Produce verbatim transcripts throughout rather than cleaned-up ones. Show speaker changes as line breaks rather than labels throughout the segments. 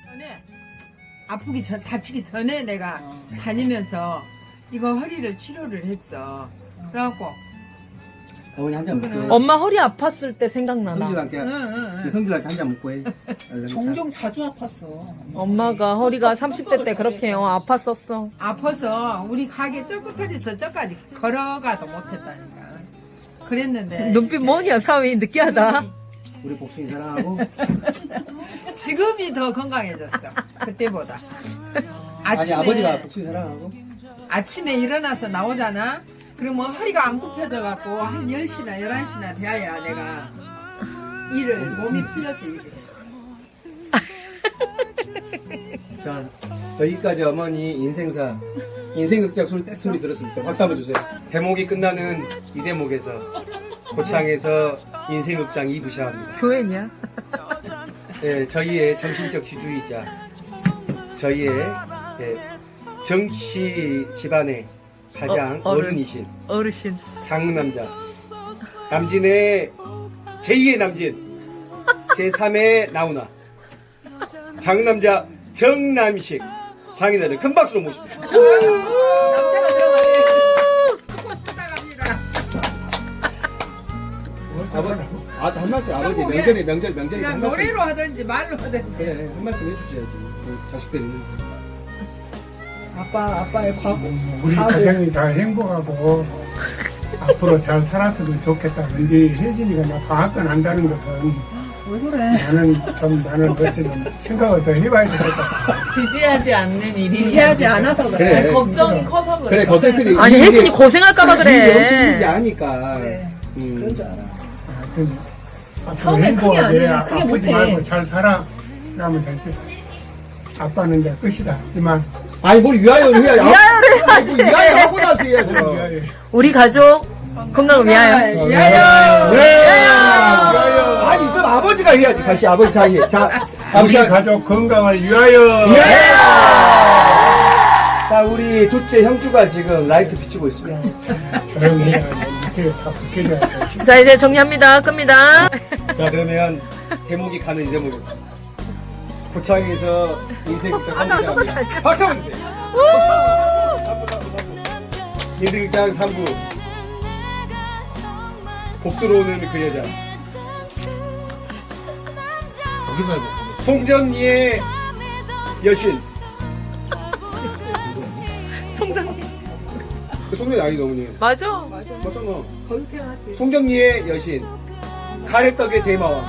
전에 아프기 전 다치기 전에 내가 다니면서 이거 허리를 치료를 했어. 그래갖고
어머니 한 잔 먹고 해.
엄마 허리 아팠을 때 생각나나.
성질한테
응, 응, 응.
성질한테 한 잔 먹고 해.
종종 자주 아팠어.
엄마가 허리가 삼십 대 때 그렇게 어, 아팠었어.
아파서 우리 가게 쩌구터리서 저까지 걸어가도 못했다니까. 그랬는데
눈빛 뭐냐 사위 느끼하다.
우리 복숭이 사랑하고.
지금이 더 건강해졌어. 그때보다.
아니
아침에
아버지가 복숭이 사랑하고.
아침에 일어나서 나오잖아. 그러면 허리가 안 굽혀져갖고 한 열 시나 열한 시나 돼야 내가 일을 몸이 풀려서 일을 해.
자 여기까지 어머니 인생사 인생극장 소리 떼소리 들었습니다. 박수 한번 주세요. 대목이 끝나는 이 대목에서 고창에서 인생극장 이 부 시작합니다.
교회냐?
예, 저희의 정신적 지주이자 저희의 예, 정씨 집안의 가장
어, 어른.
어른이신
어르신.
장남자 남진의 제이의 남진 제삼의 나훈아 장남자 정남식 장인어른 큰 박수로 모십니다.
남자가 들어가네.
아버지, 아, 한 말씀 아버지 명절에 명절 명절에
그냥
한 말씀
노래로 하든지 말로 하든지.
그래 한 말씀 해주셔야지 우리 자식들 있는
아빠, 아빠의 과거.
우리
과거.
가정이 다 행복하고 앞으로 잘 살았으면 좋겠다. 근데 혜진이가 나 방학간 한다는 것은
왜 그래?
나는 좀 나는 어쨌든 생각을 더 해봐야 되겠다.
지지하지 않는 일이.
지지하지 않아서 그래.
그래.
아니, 걱정이 커서 그래.
그래 걱정들이
아니 혜진이 고생할까봐
그래
그래.
아니까
그래.
음.
그런 줄 알아.
하여튼 앞으로
처음엔 크게 안 해. 크게
아프지
못해.
말고 잘 살아. 그러면 될 듯. 아빠는 이제 끝이다. 이만.
아니 뭘 위하여 위하여
위하여를
해야지 위하여 하고 나서 해야지
그럼 위하여.
우리 가족 건강을 위하여.
위하여.
위하여 아니 있으면 아버지가 해야지 사실 아버지 자기 자
우리
아버지
가족 건강을 위하여.
자 우리 둘째 형주가 지금 라이트 비추고 있습니다.
그럼 해야 밑에 다 붙여줘야 돼.
자 이제 정리합니다. 끕니다.
자 그러면 대목이 가는 이 대목에서 고창에서 인생극장 삼 부 시작합니다. 박수 한번 주세요. 인생극장 삼 부 곡 들어오는 그 여자
거기서 해봐.
송전리의 여신
송장님.
그 송전리 아니다 어머니
맞아.
맞잖아.
거기서 태어났지.
송정리의 여신 가래떡의 대마왕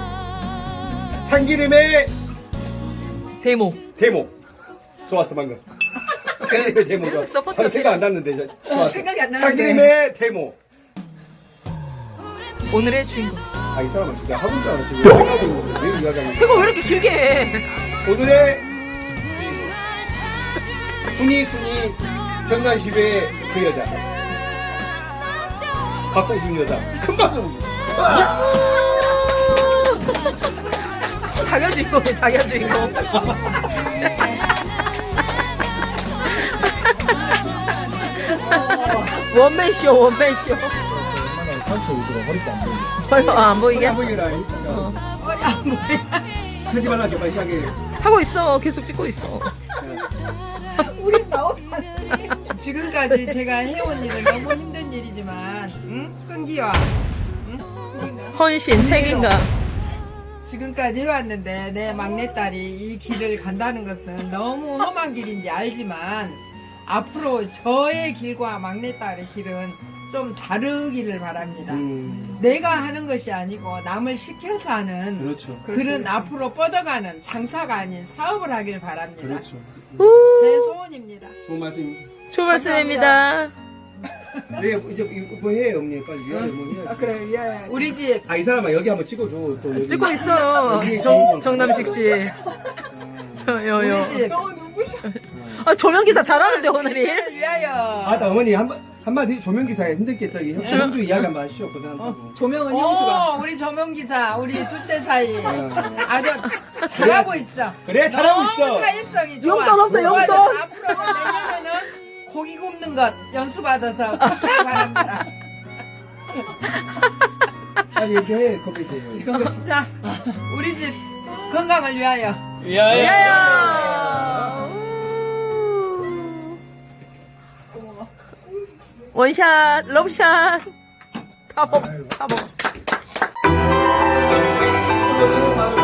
참기름의
대모.
대목 좋았어 방금 참기름의 대목 좋았어
서포터
방금 생각 안 났는데 저- 좋았어
생각이 안 나는데.
참기름의 대목
오늘의 주인공.
아 이 사람은 진짜 학원 줄 알았어 왜 생각을 왜 이야기하는
그거 왜 이렇게 길게 해?
오늘의 주인공 순이 순이 경남시의 그 여자 박봉순 여자 큰 박수
자기가 주인공이야, 자기가 주인공. 원맨쇼, 원맨쇼.
상처 오더라. 허리도 안 보이게.
빨리 아, 안 보이게?
안 보이라 하지 말라 게 빨리 시작해
하고 있어. 계속 찍고 있어.
우리 나오지 않니?
지금까지 제가 해온 일은 너무 힘든 일이지만 응? 끈기와
헌신, 책임감.
지금까지 해왔는데 내 막내딸이 이 길을 간다는 것은 너무 험한 길인지 알지만 앞으로 저의 길과 막내딸의 길은 좀 다르기를 바랍니다.
음,
내가 하는 것이 아니고 남을 시켜서 하는
그렇죠
그런 앞으로 뻗어가는 장사가 아닌 사업을 하길 바랍니다.
그렇죠
제 소원입니다.
좋은 말씀
좋은 말씀입니다.
네 이제 이거 뭐 해 어머니 빨리 위하여 뭐 해야지
아, 그래, 미안해.
우리 집
아 이 사람아 여기 한번 찍어줘 또 여기.
찍고 있어. 정, 정남식 씨. 저, 요, 요.
우리 집
너 눈부셔.
아, 조명기사 잘하는데, 오늘이.
위하여.
아나 어머니 한번 한마디 조명기사에 힘들겠다 형- 형주 이야기 한번 하시오 그 사람하고
조명은 형수가.
오, 우리 조명기사, 우리 둘째 사이
어.
아주 잘하고 있어.
그래 잘하고
너무
있어
사회성이 좋아.
용돈 없어, 용돈.
그래서 앞으로 내년에는 고기 굽는 것 연수받아서 바랍니다.
빨리 얘기해 커피 돼요
자, 우리 집 건강을 위하여.
야야! 원샷, 러브샷. 다 먹어, 다 먹어.